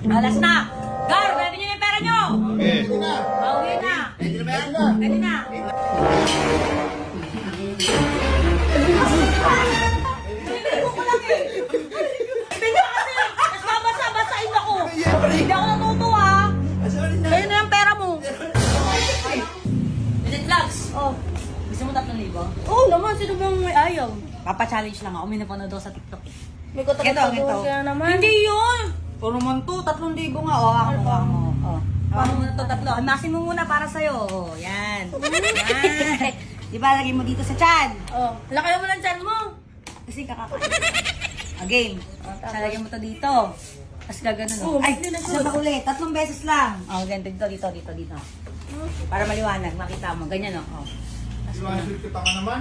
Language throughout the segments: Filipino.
Alas na! Gar, pwede nyo yung pera nyo! Okay. Pauwi na! Pwede na ba yan? Pwede na! Bibili ko lang eh! Bibili ko kasi! Mas babasa-basain ako! Hindi ako natutuwa! Sa'yo na yung pera mo! Minute vlogs! Oh. Gusto mo 3,000? Oo naman, sino bang may ayaw? Papa-challenge lang ako. May napanood ako sa TikTok eh. May katakot-takot kaya naman. Hindi yun! Puro naman to, 3,000 nga. O, ako mo. O. Paano mo na to, 3? Amasin mo muna para sa'yo. O, yan. Yan. Di ba, lagay mo dito sa chan. Oh, laki mo ng chan mo. Kasi kakakain. O, game. Lagay mo to dito. Tapos gaganon. Oh, Ay, hindi na isa pa ulit. 3 beses lang. O, ganito, dito. Para maliwanag, makita mo. Ganyan, o. Iwanan kita ka naman.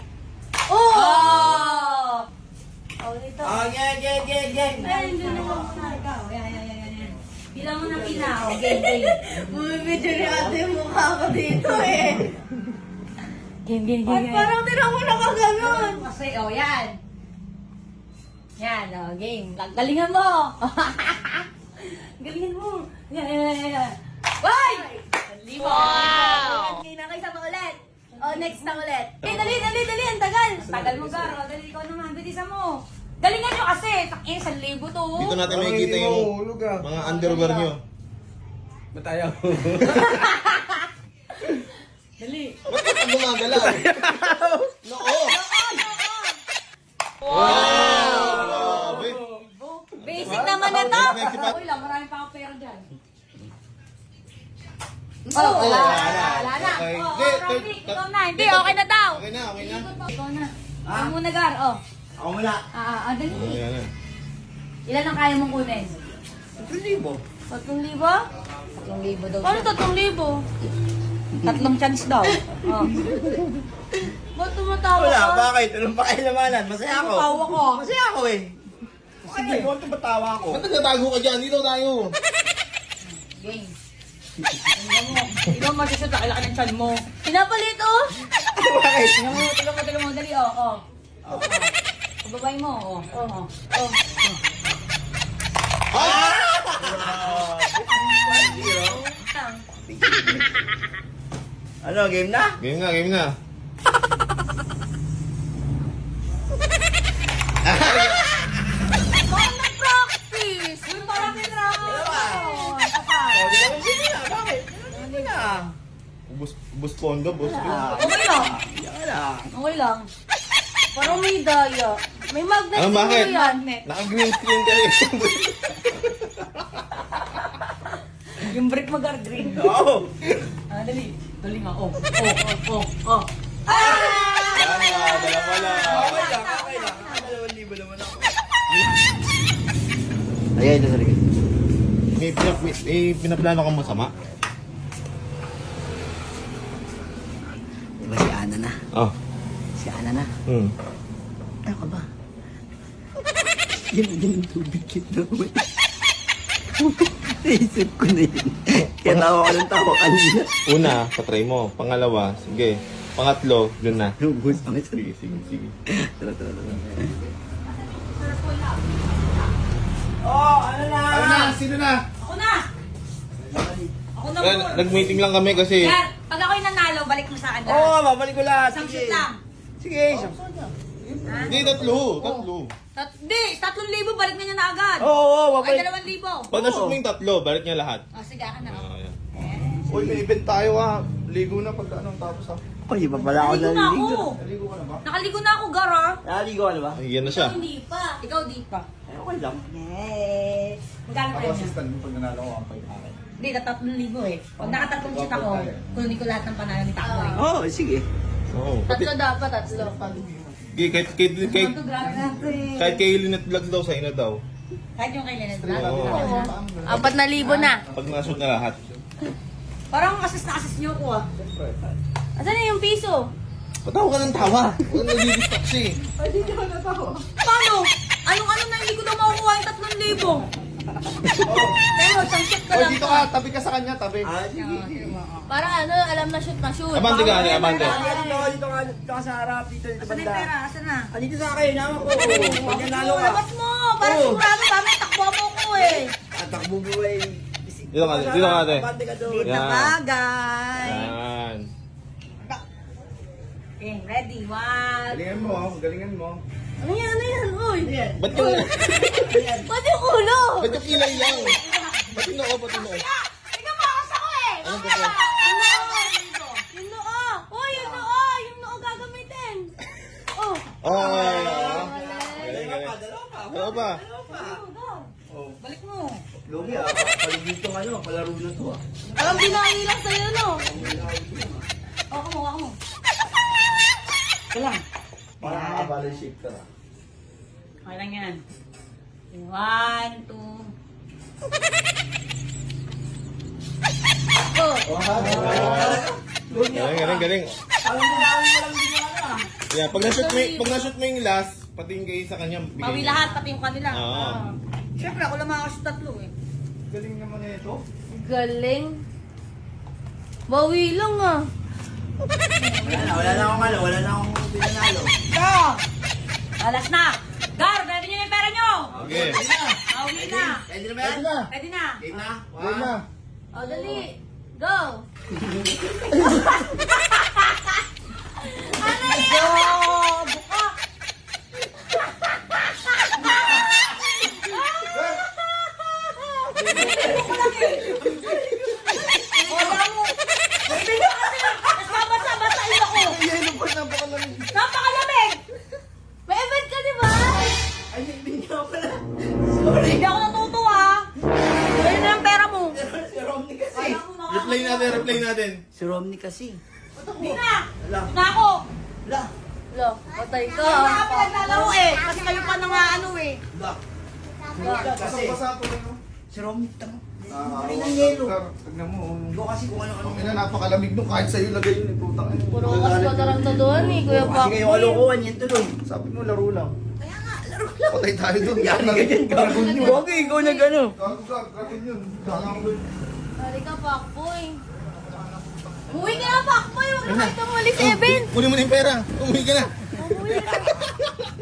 Oh! Oh, dito. Oh, gang. Ay, hindi na ako na. Ikaw, yan. Bilang mo na pina. O, game. Bumibidyo ni ate yung mukha ko dito eh. Game. At parang tinang mo nakaganon. Kasi, yan. Yan, game. Galingan mo. Galingan mo. Yan. Why? Wow! Okay, nakisa pa ulit. Oh, next na ulit. Eh, dali. Ang tagal. Tagal mo, Gar. O, dali ikaw naman. Bilisan mo. Galingan nyo kasi. 1,000 to. Dito natin makikita yung mga underwear nyo. Ba't ayaw? Dali. Ba't ka gumagalaw? Noo! Wow! Grabe! Basic naman na to. Okay lang, marami pa akong pera dyan. Oh, wala na. Okay. Oh, Hindi, Robbie, ikaw na. Hindi, okay na daw. Okay na. Ikaw na. Ikaw muna, Gar. Oh. Ako mula. Dali. Ayan na. Ilan ang kaya mong kunin? 3,000. 3,000? 3,000 daw. Ano 3,000? 3 chance daw. Oh. Ba't tumatawa Wala, ka? bakit? Anong pakilamanan? Masaya ako. Tawa ko. Masaya ako eh. Sige, huwag ito batawa ako. Ba't nagtatago ka dyan? Dito tayo. Game. Ikaw masusot, laki-laki ng chan mo. Pinapalit oh. Bakit? Tingnan mo, dali, oh. Pababay mo, oh. Ano, game na? Game na. Bakit nag-practice? Uy, parang may drama. Oh, di naman sige na. Bakit? Hindi na. Ubus pondo, boss. Okay lang. Yan lang. Okay lang. Parang may daya. May magnet Ano, siguro bakit? yan. Naka-green screen kayo. Yung break mo, Gar, green. Oo. Dali. Dali nga, oh. Dalawa lang. Okay lang. 2,000 naman ako. Ayan, ito sa likod. May pinaplano kang masama? Diba si Ana na? Oh. Si Ana na? Ano ka ba? Yan ang tubig yun naman. Naisip ko na yun. Kaya tawa ko ng tawa kanina. Una, patry mo. Pangalawa, sige. Pangatlo, dun na. Lubos ang isa. Sige. Tara. Oh, ano na? Sino na? Ako na muna. Nag-meeting lang kami kasi... Gar, pag ako'y nanalo, balik mo sa akin, Gar. Oo, babalik ko lahat. Isang Sige. shoot lang. Sige, isang. Hindi, tatlo. Hindi, 3,000, balik na niya na agad. Oo, Ay, babalik. 2,000. Pag nashoot mo yung tatlo, balik niya lahat. Sige, akin na. Ayan. Uy, may event tayo ha. Ligo na pag anong tapos ha. Uy, iba pala ako Nakaligo na ako. naliligo. Naligo ka na ba? Nakaligo na ako, Gar, ah. Naliligo ka na ba? Yan na siya. Hindi pa. Ikaw, di pa. Eh, okay lang. Yay! Magkano Ako tayo niya? assistant mo pag nanalo ko ang pay akin. Hindi, 3,000 eh. Pag nakatatlong shoot ako, kunin ko lahat ng panalo ni Takoy. Oo, sige. Oo. Pati, Tatlo dapat, tatlo. kahit kay Lynette Vlogs daw, sa'yo na daw. Kahit yung kay Leonard Oo. Vlog. 4,000 na. Pag nashoot na lahat. Parang assist na assist niyo ko, ah. Asan na yung piso? Patawa ka ng tawa. Huwag nag-distract siya eh. Paano? Anong na hindi ko daw makukuha yung 3,000? Pero, isang shoot ka Uy, lang dito to. ka. Tabi ka sa kanya. Tabi. Sige. Parang ano, alam na shoot na shoot. Abante ka, abante. Dito ka sa harap, dito Asan na yung banda. pera? Asan na? Dito sa akin, naman ko. Pag nanalo ka. Labas mo! Para Oo. sigurado kami, takbo mo ko eh. Takbo Nabubuhay. Dito ka, dito ka, ate. Abante ka doon. Liit na Yan. bagay. Yan. Okay, ready? One. Galingan mo, galingan mo. Ano yan? Ano yan? Uy! Ba't yung, Ba't yung ulo? ba't yung kilay lang? Ba't yung noo, ba't yung noo? Tingnan mo, akas ako eh! Anong gagawin? Yung noo! Uy, yung noo! Yung noo gagamitin! Oh! Oh, galing, galing. Dalawa pa. Balik mo. Lugi ah, paligid tong ano, palaro na to ah. Parang binahi lang sa'yo, no? Waka mo, waka mo. Ito lang. Parang nakabalance shape ka ah. Okay lang yan. One, two. Oh! Galing, galing, galing. Parang gagawin mo lang din yung ano ah. Yeah, pag na-shoot mo yung last, pati yung kayo sa kanya, bigay Pawi mo. lahat, pati yung kanila. Oo. Siyempre, ako lang makakashoot tatlo eh. Galing naman na ito. Galing. Bawi lang ah. Wala na akong ano, wala na akong pinanalo. Go! Alas na! Gar, ready nyo na yung pera nyo! Okay. Pawi na! Pwede na ba yan? Ready na! Game na? Game na. O, dali. Go! Go! Buka! Wala mo! Bibili ko kasi mas mabasa-basa ilo ko! Yelo pa, napakalamig. Napakalamig! May event ka, di ba? Ay, hindi nga pala. Hindi ako natutuwa! Ayun na yung pera mo! Si Romney kasi. Replay natin, replay natin. Si Romney kasi. Hindi na! Wala. Na ako! Wala. Lo, patay ka. Kaya nga pinaglalaro eh! Kasi kayo pa nang ano eh! Wala. Kasi Basang-basa ko lang. si Romney tamo. Ay, ng yelo. Tignan mo. Ikaw kasi kung ano-ano. Ina, napakalamig nung kahit sa'yo lagay yun. Putang ina. Puro kas pa taranta doon eh, Kuya Kasi Paco. kayo kalokohan yan tuloy. Sabi mo, laro lang. Kaya nga, laro lang. Patay tayo dun. Yari ka dyan. Dragon yun. Okay, ikaw na gano'n. Dragon yun. Dragon yun. Hari ka, Pakboy. Umuwi ka na, Pakboy. Huwag na kayo tumuli sa event. Kunin mo na yung pera. Umuwi ka na. Umuwi ka.